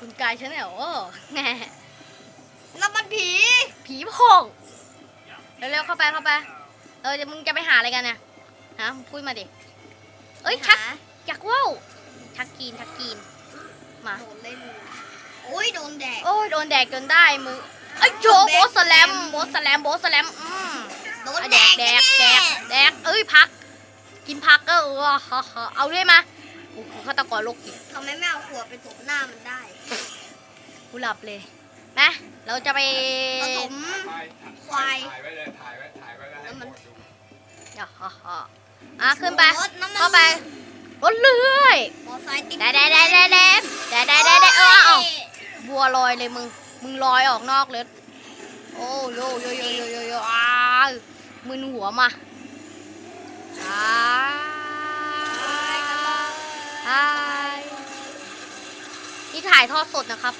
คุณกายฉันเนี่ยโอ้แหมน้ำมันผีผีโพงเร็วๆเข้าไปเดี๋ยวมึงจะไปหาอะไรกันเนี่ยฮะพูดมาดิเอ้ยชักอยากว่าวชักกีนมาโดนเล่นโอ้ยโดนแดกโอ้ยโดนแดกจนได้มึงเอ้ยโจโบสแลมโบสแลมโดนแดแดกกแดกเอ้ยพักกินพักก็เอาด้วยมาโอ้โหฆาตกรโรคจิตทำไมไม่เอาขวดไปถมหน้ามันได้กูหลับเลยนะเราจะไปผสม ควายถ่ายไว้เลยถ่ายไว้แล้วให้หมดดูขึ้นไปรถน้ำมันเข้าไปรถเลื่อยมอไซค์ติดได้บัวลอยเลยมึงลอยออกนอกเลยโอ้โยมึนหัวมานี่ถ่ายทอดสดนะครับ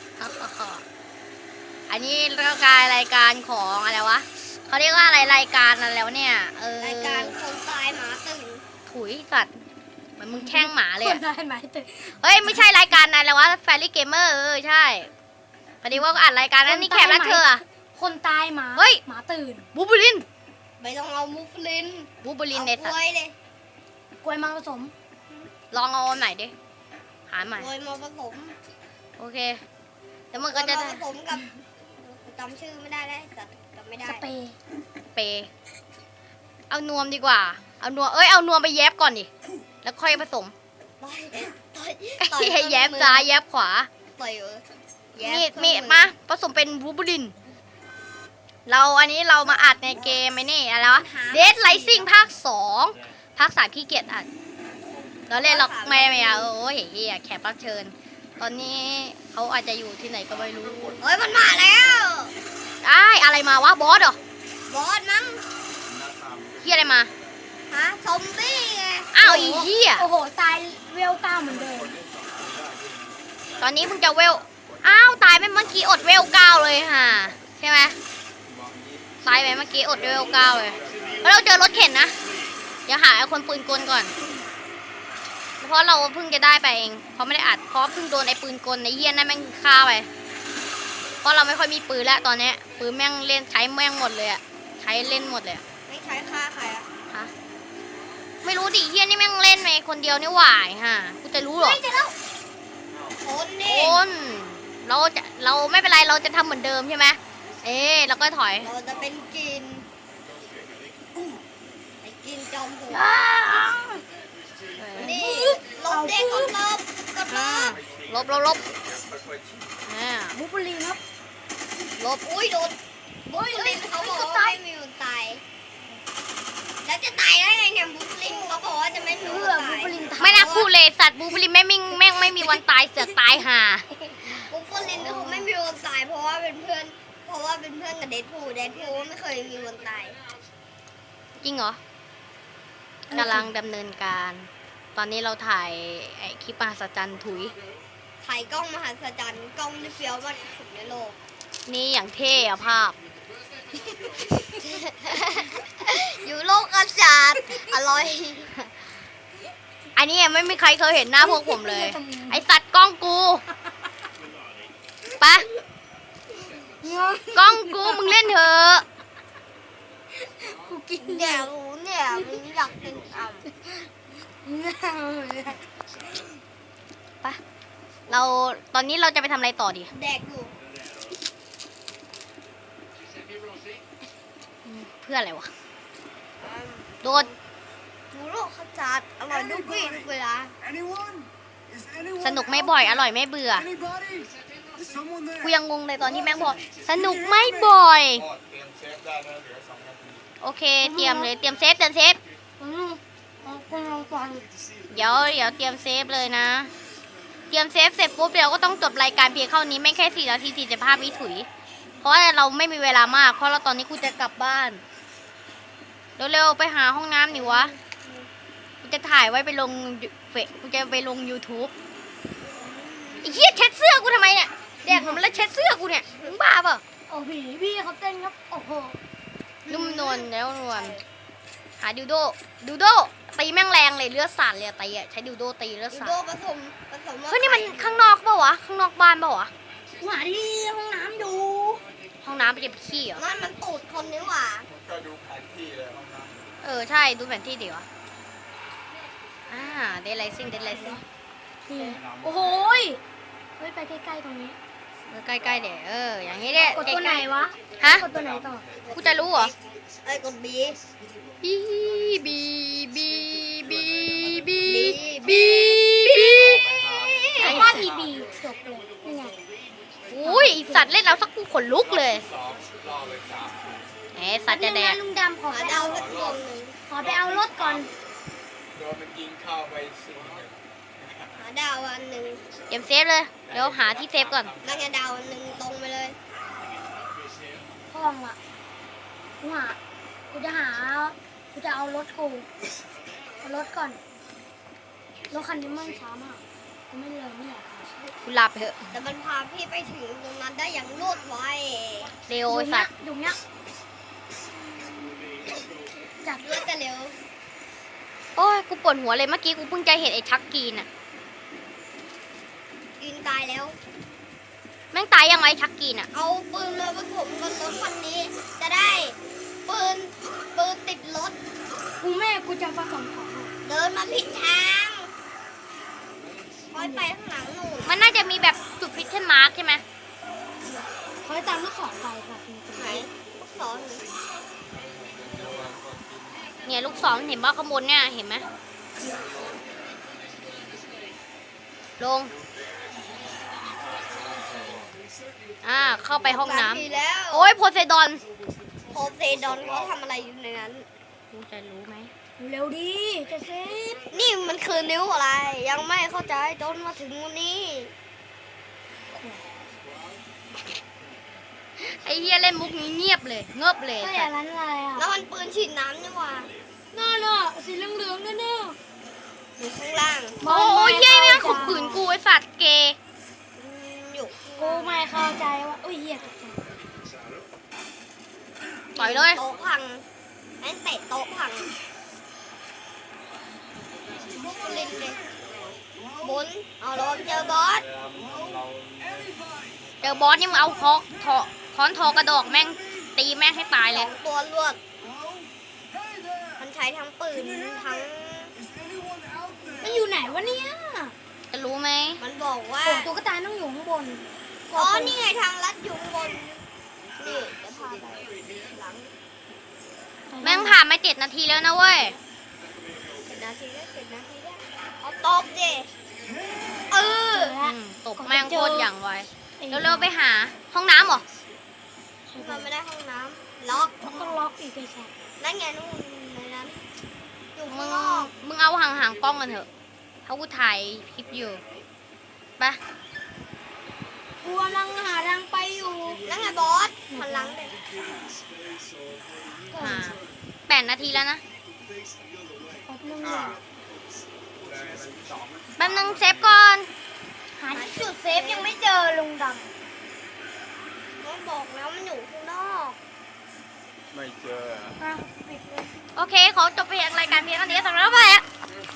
อันนี้รายการของอะไรวะเขาเรียกว่าอะไรรายการอะไรแล้วเนี่ยรายการคนตายหมาตื่นถุยสัตว์เหมือนมึงแช่งหมาเลยคนได้ไหมตื่นเฮ้ยไม่ใช่รายการอะไรวะแฟรี่เกมเมอร์ใช่พอดีว่าก็อัดรายการนั้นนี่แขกรับเชิญอะคนตายหมาเฮ้ยหมาตื่นบูบูลินไม่ต้องเอามูฟลินบูบูลินในเอาสัตกว์ล้วยเลยกล้วยมาผสมลองเอาอันไหนดิหาใหม่กล้วยมาผสมโอเคแล้วมันก็จะกล้วยมาผสมกับจำชื่อไม่ได้แล้วสัตว์จำไม่ได้สเปรย์เปเอานวมดีกว่าเอานวมไปแยบก่อนดิแล้วค่อยผสมต่อยให้แยบซ้ายแยบขวาต่อยแยบมีดมาผสมเป็นบูบูลินอันนี้เรามาอัดในเกมไอ้นี่อะไรวะเดดไลซิ่งภาค 2ภาค 3ขี้เกียจอัดเราเล่นหรอกไม่เอาโอ้ยเฮียแขกรับเชิญ ตอนนี้เขาอาจจะอยู่ที่ไหนก็ไม่รู้เฮ้ยมันมาแล้วอะไรมาวะบอสเหรอบอสมั้งเฮียอะไรมาฮะซอมบี้ไงอ้าวอีเฮียโอ้โหตายเวล9เหมือนเดิมตอนนี้เพิ่งจะเวลตายไปเมื่อกี้อดเวล9เลยฮะใช่ไหมตายไปเมื่อกี้อดเวล9เลยแล้วเราเจอรถเข็นนะเดี๋ยวหาไอ้คนปืนกลก่อนเพราะเราเพิ่งจะได้ไปเองเพราะไม่ได้อัดเพราะเพิ่งโดนไอ้ปืนกลในเฮียนั่นแม่งฆ่าไปเพราะเราไม่ค่อยมีปืนแล้วตอนนี้ปืนแม่งเล่นใช้แม่งหมดเลยอะใช้เล่นหมดเลยไม่ใช้ฆ่าใครอะฮะไม่รู้ดิเฮียนี่แม่งเล่นไปคนเดียวนี่หว่าฮะกูจะรู้หรอไม่เจอแล้วคนนี่คนเราไม่เป็นไรเราจะทำเหมือนเดิมใช่ไหมเราก็ถอยเราจะเป็นกินไอ้กินจอมโหดนี่ลบเด็กกดลบบูบูลินครับลบอุ้ยโดนบุสลินเขาบอกว่าไม่มีวันตายแล้วจะตายได้ไงเนี่ยบุสลินเขาบอกว่าจะไม่มีเพื่วัอน บูตายบูลินตายไม่น่าพูดเลยสัตว์บูบลินแม่งไม่มีวันตายเสือกตายห่าบุสลินเขาไม่มีวันตายเพราะว่าเป็นเพื่อนกับเดดพูลไม่เคยมีวันตายจริงเหรอกำลังดำเนินการ ตอนนี้เราถ่ายไอ้คลิปมหัศจรรย์ถุยถ่ายกล้องมหัศจรรย์กล้องที่เฟี้ยวมากที่สุดในโลกนี่อย่างเท่อะภาพอยู่โลกอากาศอร่อยอันนี้ไม่มีใครเคยเห็นหน้าพวกผมเลย ไอสัตว์กล้องกูไปะกล้องกูมึงเล่นเถอะกูกินเนี่ยมันอยากกินไปะตอนนี้เราจะไปทำอะไรต่อดีแดกอยู่เพื่ออะไรวะโดนอยู่โลกอากาศอร่อยทุกวี่ทุกเวลาสนุกไม่บ่อยอร่อยไม่เบื่อ กูยังงงเลยตอนที่แม่งบอกสนุกไม่บ่อยเตรียมเซฟได้แล้วเหลือ2 นาทีโอเคเตรียมเลยเตรียมเซฟกูลองฟังเดี๋ยวเตรียมเซฟเลยนะ เตรียมเซฟเสร็จปุ๊บเดี๋ยวก็ต้องจบรายการเพียงเท่านี้ไม่แค่4 นาที45 วิถุย เพราะว่าเราไม่มีเวลามากเพราะเราตอนนี้กูจะกลับบ้านเร็วๆไปหาห้องน้ำหนิวะกูจะถ่ายไว้ไปลงกูจะไปลง YouTube ไอ้เหี้ยเช็ดเสื้อกูทำไมเนี่ยแดกมันแล้วเช็ดเสื้อกูเนี่ยมึงบ้าเปล่าโอ้พี่เขาเต้นครับโอ้โหนุ่มนวลแล้วนวลหาดิวโดตีแม่งแรงเลยเลือดสาดเลยตีอ่ะใช้ดิวโดตีเลือดยูสาโดดผสมสมเฮ้ยนี่มันข้างนอกเปล่าวะข้างนอกบ้านเปล่าวะหาที่ห้องน้ำอยู่ห้องน้ำไปเก็บขี้เหรอมันตูดคนนี่หว่าก็ดูแผนที่เลยห้องน้ำใช่ดูแผนที่ดีวะเดลไลซิ่งนี่โอ้โหยเฮ้ยไปใกล้ๆตรงนี้ใกล้ๆเดี๋ยวอย่างนี้เด้กดตัวไหนวะฮะกดตัวไหนต่อกูจะรู้เหรอกดบีบีบีบีบีบีบีไอ้ว่าบีบีจบเลยนี่ไงอุ้ยไอ้สัตว์เล่นแล้วสักกูขนลุกเลยสองล่อไปสามสัตว์จะแดกลุงดำขอหาไปดาเอาวสักดวงหนึ่งขอไปเอารถก่อนโดนมันยิงเข้าไป4-1 หาดาวอันหนึ่งเก็บเซฟเลยเดี๋ยวหาที่เซฟก่อนนั่งดาวอันหนึ่งตรงไปเลยห้องอ่ะกูจะเอารถกูเอารถก่อนรถคันนี้มันช้ามากกูไม่เลยไม่อยากเอากูหลับไปเถอะแต่มันพาพี่ไปถึงตรงนั้นได้อย่างรวดไวเร็วไอ้สัตว์อยู่เนี้ยจับรวดกันเร็วโอ้ยกูปวดหัวเลยเมื่อกี้กูเพิ่งจะเห็นไอ้ชักกีนอะยืนตายแล้วแม่งตายยังไงไอ้ชักกีนอะเอาปืนมาผสมกับรถคันนี้ จะได้ปืนติดรถกูจะผสมของเดินมาผิดทางคอยไปข้างหลังหนูมันน่าจะมีแบบจุดฟิชเชนมาร์กใช่ไหมเขาจะตามลูกศรไปแบบนี้ไหนลูกศรหนูเนี่ยลูกศรเห็นป่ะข้างบนเนี่ยเห็นไหมลงเข้าไปห้องน้ทีแล้วำโอ้ยโพไซดอนโพเซดอนเขาทำอะไรอยู่ในนั้นกูจะรู้ไหมเร็วดีจะเซฟนี่มันคือนิ้วอะไร ยังไม่เข้าใจจนมาถึงวันนี้ไอ้เฮียเล่นมุกนี้เงียบเลยเงบเลยก็อสัย่าตว์นั้นอะไรอ่ะแล้วมันปืนฉีดน้ำนี่หว่าน่าสีเหลืองๆนั่นน่ะอยู่ข้างล่างโอ้ยเย้แม่งข่มขืนกูไอ้สัตว์เกย์อยู่กูไม่เข้าใจว่าอุ้ยเหี้ยตกใจต่อยเลยโต๊ะพังแม่งเตะโต๊ะพังบุกลินเลยบุญเอาลงเจอบอสเจอบอสนี่มึงเอาค้อนทอกระดอกแม่งตีแม่งให้ตายเลย 2 ตัวรวด มันใช้ทั้งปืนทั้งมันอยู่ไหนวะเนี่ยจะรู้ไหมมันบอกว่าโอ้ตุ๊กตาต้องอยู่ข้างบนอ๋อ นี่ไงทางลัดอยู่ข้างบน นี่จะพาไปหลังแม่งผ่านมา7 นาทีแล้วนะเว้ย 7 นาทีได้7 นาทีได้เอาตบดิเออตบแม่งโคตรอย่างไวเร็วๆไปหาห้องน้ำเหรอมันไม่ได้ห้องน้ำล็อกต้องล็อกอีกไอ้สัสนั่นไงนู่นในนั้น อยู่มึข้างงนอกมึงเอาห่างๆกล้องกันเถอะเขากูถ่ายคลิปอยู่ไปกูกำลังหาทางไปอยู่นั่นไงบอสหันหลังเลยหา8 นาทีแล้วนะแป๊บนึงเลยมันสองแป๊บนึงเซฟก่อนหาจุดเซฟยังไม่เจอลุงดมันบอกแล้วมันอยู่ข้างนอกไม่เจอำอ่ะปิดเลยโอเค ขอจบไปรายการเพียงเท่านี้สำหรับไป